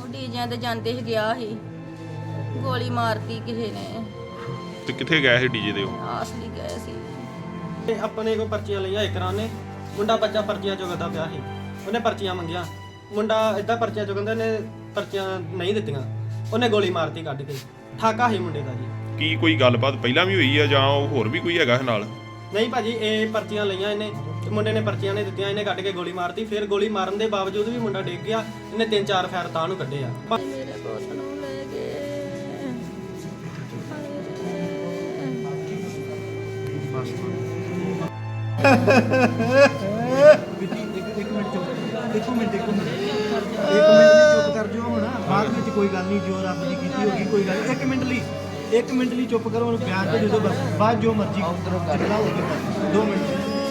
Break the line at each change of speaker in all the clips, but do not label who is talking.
ਡੀਜਿਆਂ ਤੇ ਜਾਂਦੇ ਸੀ ਗਿਆ ਸੀ ਗੋਲੀ ਮਾਰਤੀ ਕਿਸੇ ਨੇ।
ਤੇ ਕਿੱਥੇ ਗਏ ਸੀ ਡੀਜੇ ਦੇ ਉਹ?
ਆਸਲੀ ਗਏ ਸੀ।
ਤੇ ਆਪਣੇ ਕੋਲ ਪਰਚੀਆਂ ਲਈਆਂ ਇਕਰਾਂ ਨੇ। ਮੁੰਡਾ ਬੱਚਾ ਪਰਚੀਆਂ ਚੁਗਦਾ ਪਿਆ ਸੀ, ਉਹਨੇ ਪਰਚੀਆਂ ਮੰਗੀਆਂ। ਮੁੰਡਾ ਇਦਾਂ ਪਰਚੀਆਂ ਚੁਗਦਾ ਨੇ, ਪਰਚੀਆਂ ਨਹੀਂ ਦਿੱਤੀਆਂ, ਉਹਨੇ ਗੋਲੀ ਮਾਰਤੀ ਕੱਢ ਕੇ। ਠਾਕਾ ਸੀ ਮੁੰਡੇ ਦਾ ਜੀ।
ਕੀ ਕੋਈ ਗੱਲਬਾਤ ਪਹਿਲਾਂ ਵੀ ਹੋਈ ਆ ਜਾਂ ਉਹ ਹੋਰ ਵੀ ਕੋਈ ਹੈਗਾ ਨਾਲ?
ਨਹੀਂ ਭਾਜੀ, ਇਹ ਪਰਚੀਆਂ ਲਈਆਂ ਇਹਨੇ ਤੇ ਮੁੰਡੇ ਨੇ ਪਰਚੀਆਂ ਨਹੀਂ ਦਿੱਤੀਆਂ, ਇਹਨੇ ਕੱਢ ਕੇ ਗੋਲੀ ਮਾਰਤੀ। ਫਿਰ ਗੋਲੀ ਮਾਰਨ ਦੇ ਬਾਵਜੂਦ ਵੀ ਮੁੰਡਾ ਡਿੱਗ ਗਿਆ। ਇਹਨੇ 3-4 ਫੈਰ ਤਾਂ ਨੂੰ ਕੱਢੇ ਆ।
ਮੇਰੇ ਪੁੱਤ ਨੂੰ ਲੈ ਗਏ।
ਇੱਕ ਮਿੰਟ ਚੁੱਪ ਕਰ ਜਾਓ ਹੁਣ। ਬਾਅਦ ਵਿੱਚ ਕੋਈ ਗੱਲ ਨਹੀਂ, ਜੋ ਰੱਬ ਦੀ ਕੀਤੀ ਹੋਗੀ ਕੋਈ ਗੱਲ। ਇੱਕ ਮਿੰਟ ਲਈ ਚੁੱਪ ਕਰੋ। ਉਹਨੂੰ ਪਿਆਰ ਤੇ ਦੇ ਦਿਓ ਬਸ। ਬਾਅਦ ਜੋ ਮਰਜ਼ੀ ਝਗੜਾ ਹੋ ਗਿਆ। 2 ਮਿੰਟ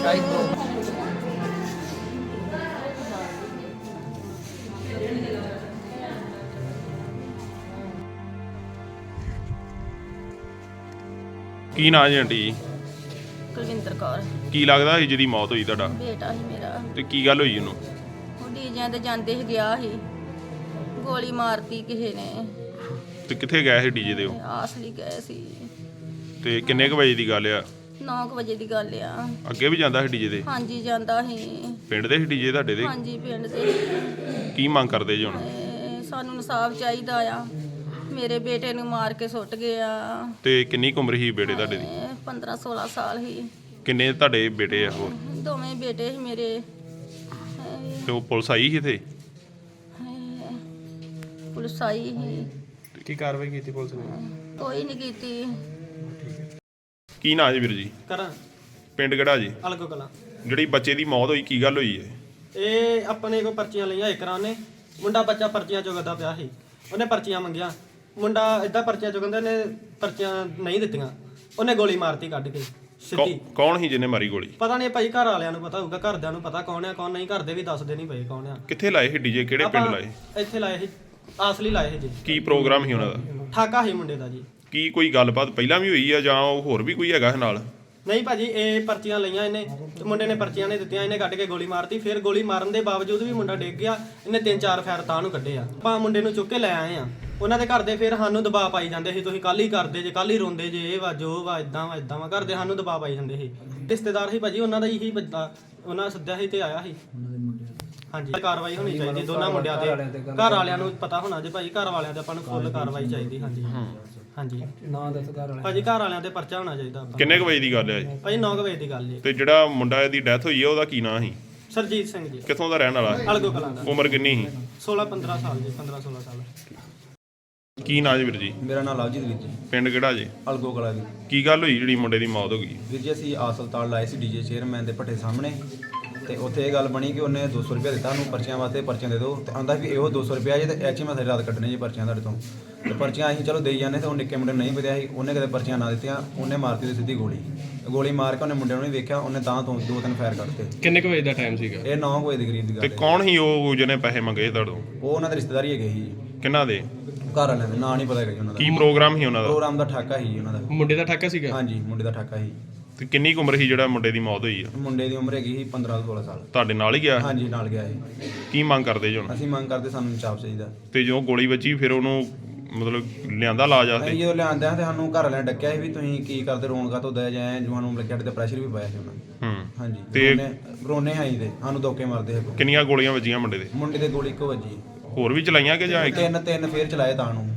ਕੀ ਨਾਂ ਜੀ ਆਂਟੀ ਜੀ?
ਕੁਲਵਿੰਦਰ ਕੌਰ
ਕੀ ਲੱਗਦਾ ਸੀ ਜਿਹਦੀ ਮੌਤ ਹੋਈ ਤੁਹਾਡਾ?
ਬੇਟਾ ਸੀ ਮੇਰਾ।
ਤੇ ਕੀ ਗੱਲ ਹੋਈ ਉਹਨੂੰ?
ਉਹ ਡੀਜਿਆਂ ਤੇ ਜਾਂਦੇ ਸੀ ਗਿਆ ਸੀ ਗੋਲੀ ਮਾਰਤੀ ਕਿਸੇ ਨੇ।
ਤੇ ਕਿੱਥੇ ਗਏ ਸੀ ਡੀਜੇ ਦੇ ਉਹ?
ਆਸਲੀ ਗਏ ਸੀ।
ਤੇ ਕਿੰਨੇ ਕੁ ਵਜੇ ਦੀ ਗੱਲ ਆ?
9 ਵਜੇ ਦੀ ਗੱਲ ਆ।
ਅੱਗੇ ਵੀ ਜਾਂਦਾ ਸੀ ਡੀਜੇ ਦੇ?
ਹਾਂਜੀ ਜਾਂਦਾ ਸੀ।
ਪਿੰਡ ਦੇ ਸੀ ਡੀਜੇ ਤੁਹਾਡੇ ਦੇ?
ਹਾਂਜੀ ਪਿੰਡ ਦੇ।
ਕੀ ਮੰਗ ਕਰਦੇ ਜੀ ਹੁਣ?
ਸਾਨੂੰ ਇਨਸਾਫ ਚਾਹੀਦਾ ਆ। ਮੇਰੇ ਬੇਟੇ ਨੂੰ ਮਾਰ ਕੇ ਸੁੱਟ ਗਏ ਆ।
ਤੇ ਕਿੰਨੀ ਕੁ ਉਮਰ ਸੀ ਬੇਟੇ ਤੁਹਾਡੇ ਦੀ?
15-16 ਸਾਲ ਸੀ।
ਕਿੰਨੇ ਤੁਹਾਡੇ ਬੇਟੇ ਆ ਹੋਰ?
ਦੋਵੇਂ ਬੇਟੇ ਸੀ ਮੇਰੇ।
ਤੇ ਉਹ ਪੁਲਿਸ ਆਈ ਸੀ ਇੱਥੇ?
ਪੁਲਿਸ ਆਈ ਸੀ।
ਕੀ ਕਾਰਵਾਈ ਕੀਤੀ ਪੁਲਿਸ ਨੇ?
ਕੋਈ ਨਹੀਂ ਕੀਤੀ।
ਕੀ ਨਾਂ ਜੀ ਵੀਰ ਜੀ?
ਕਰਾਂ
ਪਿੰਡ ਕਿਹੜਾ ਜੀ?
ਅਲਗੋ ਕਲਾਂ।
ਜਿਹੜੀ ਬੱਚੇ ਦੀ ਮੌਤ ਹੋਈ ਕੀ ਗੱਲ ਹੋਈ ਹੈ?
ਇਹ ਆਪਣੇ ਕੋਲ ਪਰਚੀਆਂ ਲਈਆਂ ਇਕਰਾਂ ਨੇ। ਮੁੰਡਾ ਬੱਚਾ ਪਰਚੀਆਂ ਚੁਗਦਾ ਪਿਆ ਸੀ, ਉਹਨੇ ਪਰਚੀਆਂ ਮੰਗੀਆਂ। ਮੁੰਡਾ ਇਦਾਂ ਪਰਚੀਆਂ ਚੁਗਦਾ ਨੇ, ਪਰਚੀਆਂ ਨਹੀਂ ਦਿੱਤੀਆਂ, ਉਹਨੇ ਗੋਲੀ ਮਾਰਤੀ ਕੱਢ ਕੇ ਸਿੱਧੀ।
ਕੌਣ ਸੀ ਜਿਹਨੇ ਮਾਰੀ ਗੋਲੀ?
ਪਤਾ ਨਹੀਂ ਭਾਈ, ਘਰ ਵਾਲਿਆਂ ਨੂੰ ਪਤਾ ਹੋਊਗਾ, ਘਰਦਿਆਂ ਨੂੰ ਪਤਾ ਕੌਣ ਆ ਕੌਣ ਨਹੀਂ। ਘਰ ਦੇ ਵੀ ਦੱਸਦੇ ਨਹੀਂ ਪਏ ਕੌਣ ਆ।
ਕਿੱਥੇ ਲਾਏ ਸੀ ਡੀਜੇ? ਕਿਹੜੇ ਪਿੰਡ ਲਾਏ?
ਇੱਥੇ ਲਾਏ ਸੀ, ਆਸਲੀ ਲਾਏ ਸੀ ਜੀ।
ਕੀ ਪ੍ਰੋਗਰਾਮ ਸੀ ਉਹਨਾਂ ਦਾ?
ਠਾਕਾ ਸੀ ਮੁੰਡੇ ਦਾ ਜੀ।
ਕੀ ਕੋਈ ਗੱਲਬਾਤ ਪਹਿਲਾਂ ਵੀ ਹੋਈ ਆ ਜਾਂ ਉਹ ਹੋਰ ਵੀ ਕੋਈ ਹੈਗਾ ਨਾਲ?
ਨਹੀਂ ਭਾਜੀ, ਇਹ ਪਰਚੀਆਂ ਲਈਆਂ ਇਹਨੇ ਤੇ ਮੁੰਡੇ ਨੇ ਪਰਚੀਆਂ ਨਹੀਂ ਦਿੱਤੀਆਂ, ਇਹਨੇ ਕੱਢ ਕੇ ਗੋਲੀ ਮਾਰਤੀ। ਫਿਰ ਗੋਲੀ ਮਾਰਨ ਦੇ ਬਾਵਜੂਦ ਵੀ ਮੁੰਡਾ ਡਿੱਗ ਗਿਆ। ਇਹਨੇ 3-4 ਫੈਰ ਤਾਂ ਨੂੰ ਕੱਢੇ ਆ। ਆਪਾਂ ਮੁੰਡੇ ਨੂੰ ਚੁੱਕ ਕੇ ਲੈ ਆਏ ਆ। ਉਹਨਾਂ ਦੇ ਘਰ ਦੇ ਫਿਰ ਸਾਨੂੰ ਦਬਾਅ ਪਾਈ ਜਾਂਦੇ ਸੀ, ਤੁਸੀਂ ਕੱਲ ਹੀ ਕਰਦੇ ਜੇ, ਕੱਲ ਹੀ ਰੋਂਦੇ ਜੇ, ਇਹ ਵਾ ਜੋ ਵਾ, ਇਦਾਂ ਵਾ ਘਰ ਦੇ ਸਾਨੂੰ ਦਬਾਅ ਪਾਈ ਜਾਂਦੇ ਸੀ। ਰਿਸ਼ਤੇਦਾਰ ਸੀ ਭਾਜੀ ਉਹਨਾਂ ਦਾ ਹੀ ਬੰਦਾ, ਉਹਨਾਂ ਸੱਦਿਆ ਸੀ ਤੇ ਆਇਆ ਸੀ। ਹਾਂਜੀ, ਕਾਰਵਾਈ ਹੋਣੀ ਚਾਹੀਦੀ ਦੋਨਾਂ ਮੁੰਡਿਆਂ ਤੇ। ਘਰ ਵਾਲਿਆਂ ਨੂੰ ਪਤਾ ਹੋਣਾ ਜੇ ਭਾਜੀ, ਘਰ ਵਾਲਿਆਂ ਤੇ ਆਪਾਂ ਨੂੰ ਫੁੱਲ ਕਾਰਵਾਈ ਚਾਹੀਦੀ। ਹਾਂਜੀ ਹਾਂਜੀ ਭਾਜੀ, ਘਰ ਵਾਲਿਆਂ ਤੇ ਪਰਚਾ ਹੋਣਾ ਚਾਹੀਦਾ।
ਕਿੰਨੇ ਕੁ ਵਜੇ ਦੀ ਗੱਲ ਹੈ ਜੀ?
ਭਾਜੀ 9 ਵਜੇ ਦੀ ਗੱਲ ਜੀ।
ਤੇ ਜਿਹੜਾ ਮੁੰਡਾ ਦੀ ਡੈਥ ਹੋਈ ਹੈ ਉਹਦਾ ਕੀ ਨਾਂ ਸੀ?
ਸਰਜੀਤ ਸਿੰਘ ਜੀ।
ਕਿੱਥੋਂ ਦਾ ਰਹਿਣ ਵਾਲਾ?
ਅਲਗੋ ਕਲਾਂ ਦਾ।
ਉਮਰ ਕਿੰਨੀ ਸੀ?
16-15 ਸਾਲ ਜੀ, 15-16 ਸਾਲ।
ਕੀ ਨਾਂ ਜੀ ਵੀਰ ਜੀ?
ਮੇਰਾ ਨਾਮ ਲਵਜੀਤ ਵੀਰ ਜੀ,
ਪਿੰਡ ਕਿਹੜਾ ਜੀ?
ਅਲਗੋ ਕਲਾ ਜੀ।
ਕੀ ਗੱਲ ਹੋਈ ਜਿਹੜੀ ਮੁੰਡੇ ਦੀ ਮੌਤ ਹੋ ਗਈ?
ਵੀਰ ਜੀ ਅਸੀਂ ਹਸਪਤਾਲ ਲਾਏ ਸੀ ਡੀਜੇ ਚੇਅਰਮੈਨ ਦੇ ਭੱਠੇ ਸਾਹਮਣੇ, ਤੇ ਉੱਥੇ ਇਹ ਗੱਲ ਬਣੀ ਕਿ ਉਹਨੇ 200 ਰੁਪਇਆ ਦਿੱਤਾ ਉਹਨੂੰ ਪਰਚੀਆਂ ਵਾਸਤੇ, ਪਰਚੀਆਂ ਦੇ ਦਿਓ। ਤੇ ਆਂਦਾ ਵੀ ਇਹੋ 200 ਰੁਪਇਆ ਜੇ ਤੇ ਐਚ ਮੈਂ ਸਾਰੀ ਰਾਤ ਕੱਢਣੀ ਜੀ ਪਰਚੀਆਂ ਤੁਹਾਡੇ ਤੋਂ। ਤੇ ਪਰਚੀਆਂ ਅਸੀਂ ਚਲੋ ਦੇਈ ਜਾਂਦੇ, ਤੇ ਉਹ ਨਿੱਕੇ ਮੁੰਡੇ ਨੂੰ ਨਹੀਂ ਪਤਾ ਸੀ, ਉਹਨੇ ਕਦੇ ਪਰਚੀਆਂ ਨਾ ਦਿੱਤੀਆਂ, ਉਹਨੇ ਮਾਰਤੀ ਸਿੱਧੀ ਗੋਲੀ ਮਾਰ ਕੇ ਉਹਨੇ ਮੁੰਡੇ ਨੂੰ ਨਹੀਂ ਵੇਖਿਆ, ਉਹਨੇ ਤਾਂ ਤੋਂ 2-3 ਫਾਇਰ ਕੱਢਤੇ।
ਕਿੰਨੇ ਕੁ ਵਜੇ ਦਾ ਟਾਈਮ ਸੀਗਾ?
ਇਹ 9 ਵਜੇ ਦੇ ਕਰੀਬ ਦੀ
ਤੇ
ਗੱਲ ਹੈ।
ਕੌਣ ਸੀ ਉਹ ਜਿਹਨੇ ਪੈਸੇ ਮੰਗੇ ਤੁਹਾਡੋਂ?
ਉਹ ਉਹਨਾਂ ਦੇ ਰਿਸ਼ਤੇਦਾਰੀ ਹੈਗੇ ਸੀ ਜੀ,
ਕਿਹਨਾਂ ਦੇ?
ਘਰ ਵਾਲਿਆਂ ਦੇ। ਨਾਂ ਨਹੀਂ ਪਤਾ ਹੈਗਾ ਜੀ ਉਹਨਾਂ ਦਾ।
ਕੀ ਪ੍ਰੋਗਰਾਮ ਸੀ ਉਹਨਾਂ ਦਾ?
ਪ੍ਰੋਗਰਾਮ ਦਾ ਠਾਕਾ ਸੀ ਜੀ ਉਹਨਾਂ ਦਾ।
ਮੁੰਡੇ ਦਾ ਠਾਕਾ ਸੀਗਾ?
ਹਾਂਜੀ, ਮੁੰਡੇ ਦਾ ਠਾਕਾ ਸੀ।
ਤੇ ਕਿੰਨੀ ਕੁ ਉਮਰ ਸੀ ਜਿਹੜਾ ਮੁੰਡੇ ਦੀ ਮੌਤ ਹੋਈ ਆ?
ਮੁੰਡੇ ਦੀ ਉਮਰ ਹੈਗੀ ਸੀ 15-16 ਸਾਲ।
ਤੁਹਾਡੇ ਨਾਲ ਹੀ ਗਿਆ?
ਹਾਂਜੀ, ਨਾਲ ਗਿਆ ਸੀ।
ਕੀ ਮੰਗ ਕਰਦੇ ਜੀ ਹੁਣ?
ਅਸੀਂ ਮੰਗ ਕਰਦੇ ਸਾਨੂੰ ਇਨਸਾਫ ਚਾਹੀਦਾ।
ਤੇ ਜਦੋਂ ਗੋਲੀ ਵੱਜੀ ਫਿਰ ਉਹਨੂੰ ਮਤਲਬ ਲਿਆਂਦਾ ਲਾਜ
ਅਸੀਂ
ਆਸਤੇ?
ਜਦੋਂ ਲਿਆਂਦੇ ਆ ਤੇ ਸਾਨੂੰ ਘਰ ਵਾਲਿਆਂ ਨੇ ਡੱਕਿਆ ਸੀ ਵੀ ਤੁਸੀਂ ਕੀ ਕਰਦੇ, ਰੋਣ ਕਾ ਤੋਂ ਦਇਆ ਜਾਏ, ਜੋ ਸਾਨੂੰ ਲੱਗਿਆ ਤੇ ਪ੍ਰੈਸ਼ਰ ਵੀ ਪਾਇਆ ਸੀ ਉਹਨਾਂ ਨੇ। ਹਾਂਜੀ,
ਤੇ
ਰੋਨੇ ਆਈ ਤੇ ਸਾਨੂੰ ਧੋਕੇ ਮਾਰਦੇ ਸੀ।
ਕਿੰਨੀਆਂ ਗੋਲੀਆਂ ਵੱਜੀਆਂ ਮੁੰਡੇ ਦੇ?
ਮੁੰਡੇ ਦੇ ਗੋਲੀ ਇੱਕੋ ਵੱਜੀ।
ਹੋਰ ਵੀ ਚਲਾਈਆਂ ਕਿ ਜਾਂ ਇੱਕ?
ਤਿੰਨ ਫੇਰ ਚਲਾਏ ਤਾਂ ਨੂੰ।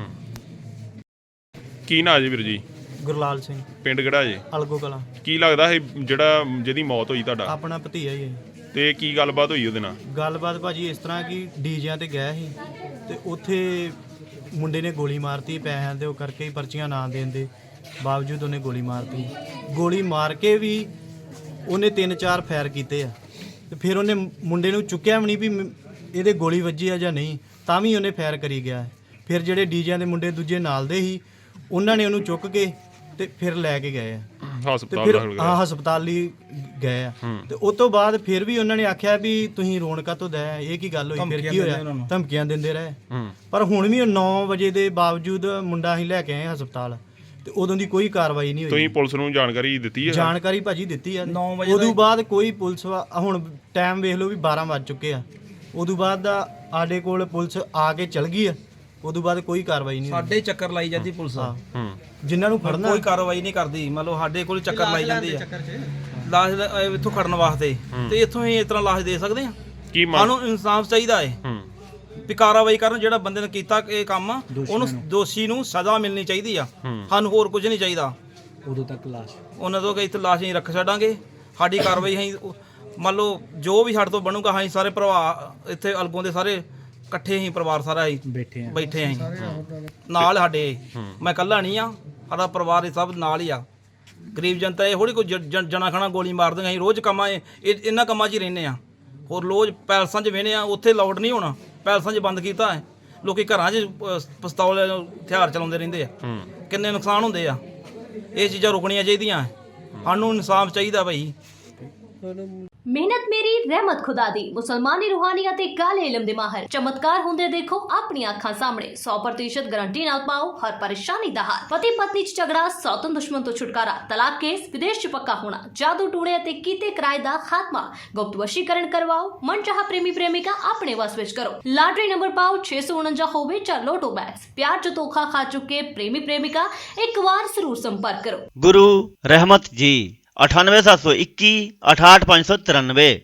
ਕੀ ਨਾਂ ਜੀ ਵੀਰ ਜੀ?
ਗੁਰਲਾਲ ਸਿੰਘ,
ਪਿੰਡ ਕਿਹੜਾ ਜੀ?
ਅਲਗੋ ਕਲਾਂ।
ਕੀ ਲੱਗਦਾ ਸੀ ਜਿਹੜਾ ਜਿਹਦੀ ਮੌਤ ਹੋਈ ਤੁਹਾਡਾ?
ਆਪਣਾ ਭਤੀਆ ਹੀ ਹੈ।
ਤੇ ਕੀ ਗੱਲਬਾਤ ਹੋਈ ਉਹਦੇ ਨਾਲ?
ਗੱਲਬਾਤ ਭਾਜੀ ਇਸ ਤਰ੍ਹਾਂ ਕਿ ਡੀਜਿਆਂ ਤੇ ਗਿਆ ਸੀ ਤੇ ਉੱਥੇ ਮੁੰਡੇ ਨੇ ਗੋਲੀ ਮਾਰਤੀ ਪੈਸਿਆਂ ਦੇ ਉਹ ਕਰਕੇ ਹੀ, ਪਰਚੀਆਂ ਨਾ ਦੇਣ ਦੇ ਬਾਵਜੂਦ ਉਹਨੇ ਗੋਲੀ ਮਾਰਤੀ। ਗੋਲੀ ਮਾਰ ਕੇ ਵੀ ਉਹਨੇ 3-4 ਫਾਇਰ ਕੀਤੇ ਆ ਤੇ ਫਿਰ ਉਹਨੇ ਮੁੰਡੇ ਨੂੰ ਚੁੱਕਿਆ ਵੀ ਨਹੀਂ ਵੀ ਇਹਦੇ ਗੋਲੀ ਵੱਜੀ ਆ ਜਾਂ ਨਹੀਂ, ਤਾਂ ਵੀ ਉਹਨੇ ਫਾਇਰ ਕਰੀ ਗਿਆ। ਫਿਰ ਜਿਹੜੇ ਡੀਜਿਆਂ ਦੇ ਮੁੰਡੇ ਦੂਜੇ ਨਾਲ ਦੇ ਸੀ ਉਹਨਾਂ ਨੇ ਉਹਨੂੰ ਚੁੱਕ ਕੇ ਤੇ ਫਿਰ ਲੈ ਕੇ ਗਏ ਆ ਤੇ
ਹਸਪਤਾਲ
ਫਿਰ
ਦਾਖਲ
ਹਾਂ ਹਸਪਤਾਲ ਲਈ ਗਏ ਆ। ਤੇ ਉਸ ਤੋਂ ਬਾਅਦ ਫਿਰ ਵੀ ਉਹਨਾਂ ਨੇ ਆਖਿਆ ਵੀ ਤੁਸੀਂ ਰੋਣਕਾ ਤੋਂ ਦਇਆ, ਇਹ ਕੀ ਗੱਲ ਹੋਈ? ਫਿਰ ਕੀ ਹੋਇਆ? ਧਮਕੀਆਂ ਦਿੰਦੇ ਰਹੇ। ਪਰ ਹੁਣ ਵੀ 9 ਵਜੇ ਦੇ ਬਾਵਜੂਦ ਮੁੰਡਾ ਅਸੀਂ ਲੈ ਕੇ ਆਏ ਹਸਪਤਾਲ ਤੇ ਉਦੋਂ ਦੀ ਕੋਈ ਕਾਰਵਾਈ ਨਹੀਂ ਹੋਈ।
ਤੁਸੀਂ ਪੁਲਿਸ ਨੂੰ ਜਾਣਕਾਰੀ ਦਿੱਤੀ ਹੈ?
ਜਾਣਕਾਰੀ ਭਾਜੀ ਦਿੱਤੀ ਆ। ਉਦੋਂ ਬਾਅਦ ਕੋਈ ਪੁਲਿਸ ਹੁਣ ਟਾਈਮ ਵੇਖ ਲਓ ਵੀ 12 ਵੱਜ ਚੁੱਕੇ ਆ,
ਉਦੋਂ ਬਾਅਦ ਦਾ ਸਾਡੇ ਕੋਲ ਪੁਲਿਸ ਆ ਕੇ ਚਲ ਗਈ ਆ, ਉਦੋਂ ਬਾਅਦ ਕੋਈ ਕਾਰਵਾਈ ਨਹੀਂ ਹੋਈ।
ਸਾਡੇ ਚੱਕਰ ਲਾਈ ਜਾਂਦੀ ਪੁਲਿਸ
ਹਾਂ,
ਹੂੰ
ਜਿਨ੍ਹਾਂ ਨੂੰ ਫੜਨਾ
ਕੋਈ ਕਾਰਵਾਈ ਨਹੀਂ ਕਰਦੀ। ਮੰਨ ਲਓ ਸਾਡੇ ਕੋਲ ਚੱਕਰ ਲਾਈ ਜਾਂਦੀ ਆ ਲਾਸ਼ ਇੱਥੋਂ ਖੜਨ ਵਾਸਤੇ, ਤੇ ਇੱਥੋਂ ਹੀ ਇਸ ਤਰ੍ਹਾਂ ਲਾਸ਼ ਦੇ ਸਕਦੇ ਆ।
ਕੀ ਮੰਗ
ਸਾਨੂੰ ਇਨਸਾਫ ਚਾਹੀਦਾ ਹੈ
ਹੂੰ
ਵੀ ਕਾਰਵਾਈ ਕਰਨ, ਜਿਹੜਾ ਬੰਦੇ ਨੇ ਕੀਤਾ ਇਹ ਕੰਮ ਉਹਨੂੰ ਦੋਸ਼ੀ ਨੂੰ ਸਜ਼ਾ ਮਿਲਣੀ ਚਾਹੀਦੀ ਆ। ਸਾਨੂੰ ਹੋਰ ਕੁਝ ਨਹੀਂ ਚਾਹੀਦਾ।
ਉਦੋਂ ਤੱਕ ਲਾਸ਼
ਉਹਨਾਂ ਤੋਂ ਕਿ ਇੱਥੇ ਲਾਸ਼ ਨਹੀਂ ਰੱਖ ਛੱਡਾਂਗੇ। ਸਾਡੀ ਕਾਰਵਾਈ ਅਸੀਂ ਮੰਨ ਲਓ ਜੋ ਵੀ ਸਾਡੇ ਤੋਂ ਬਣੂਗਾ, ਅਸੀਂ ਸਾਰੇ ਭਰਾ ਇੱਥੇ ਅਲਗੋਂ ਦੇ ਸਾਰੇ ਇਕੱਠੇ ਹੀ ਪਰਿਵਾਰ ਸਾਰਾ ਹੀ ਬੈਠੇ ਅਸੀਂ ਨਾਲ ਸਾਡੇ। ਮੈਂ ਇਕੱਲਾ ਨਹੀਂ ਆ, ਸਾਡਾ ਪਰਿਵਾਰ ਇਹ ਸਭ ਨਾਲ ਹੀ ਆ। ਗਰੀਬ ਜਨਤਾ ਇਹ ਥੋੜੀ ਕੋਈ ਜਣਾ ਖਣਾ ਗੋਲੀ ਮਾਰ ਦਿੰਦੇ। ਅਸੀਂ ਰੋਜ਼ ਕੰਮਾਂ ਇਹਨਾਂ ਕੰਮਾਂ 'ਚ ਹੀ ਰਹਿੰਦੇ ਆ। ਹੋਰ ਰੋਜ਼ ਪੈਲਸਾਂ 'ਚ ਵਹਿੰਦੇ ਆ, ਉੱਥੇ ਲਾਊਡ ਨਹੀਂ ਹੋਣਾ। ਪੈਲਸਾਂ 'ਚ ਬੰਦ ਕੀਤਾ ਹੈ। ਲੋਕੀ ਘਰਾਂ 'ਚ ਪਿਸਤੌਲ ਹਥਿਆਰ ਚਲਾਉਂਦੇ ਰਹਿੰਦੇ ਆ। ਕਿੰਨੇ ਨੁਕਸਾਨ ਹੁੰਦੇ ਆ। ਇਹ ਚੀਜ਼ਾਂ ਰੁਕਣੀਆਂ ਚਾਹੀਦੀਆਂ। ਸਾਨੂੰ ਇਨਸਾਫ ਚਾਹੀਦਾ ਭਾਈ।
ਮਿਹਨਤ ਮੇਰੀ ਰਹਿਮਤ ਖੁਦਾ ਦੀ। ਮੁਸਲਮਾਨੀ ਰੂਹਾਨੀਅਤ ਤੇ ਕਾਲੇ ਇਲਮ ਦੇ ਮਾਹਰ ਚਮਤਕਾਰ ਹੁੰਦੇ ਦੇਖੋ ਆਪਣੀਆਂ ਅੱਖਾਂ ਸਾਹਮਣੇ। 100% ਗਾਰੰਟੀ ਨਾਲ ਪਾਓ ਹਰ ਪਰੇਸ਼ਾਨੀ ਦਾ ਹੱਲ। ਪਤੀ ਪਤਨੀ 'ਚ ਝਗੜਾ, ਸੌਤਨ ਦੁਸ਼ਮਣ ਤੋਂ ਛੁਟਕਾਰਾ, ਤਲਾਕ ਕੇਸ, ਵਿਦੇਸ਼ 'ਚ ਪੱਕਾ ਹੋਣਾ, ਜਾਦੂ ਟੂਣੇ ਅਤੇ ਕੀਤੇ ਕਿਰਾਏ ਦਾ ਖਾਤਮਾ, ਗੁਪਤ ਵਸ਼ੀਕਰਨ ਕਰਵਾਓ, ਮਨਚਾਹਾ ਪ੍ਰੇਮੀ ਪ੍ਰੇਮਿਕਾ ਆਪਣੇ ਵਸ ਵਿੱਚ ਕਰੋ। ਲਾਟਰੀ ਨੰਬਰ ਪਾਓ 649 ਹੋਵੇ ਜਾਂ ਲੋਟੋ ਬੈਟਸ। ਪਿਆਰ 'ਚ ਧੋਖਾ ਖਾ ਚੁੱਕੇ ਪ੍ਰੇਮੀ ਪ੍ਰੇਮਿਕਾ ਇੱਕ ਵਾਰ ਜ਼ਰੂਰ ਸੰਪਰਕ ਕਰੋ।
गुरु रहमत जी 98721 68593।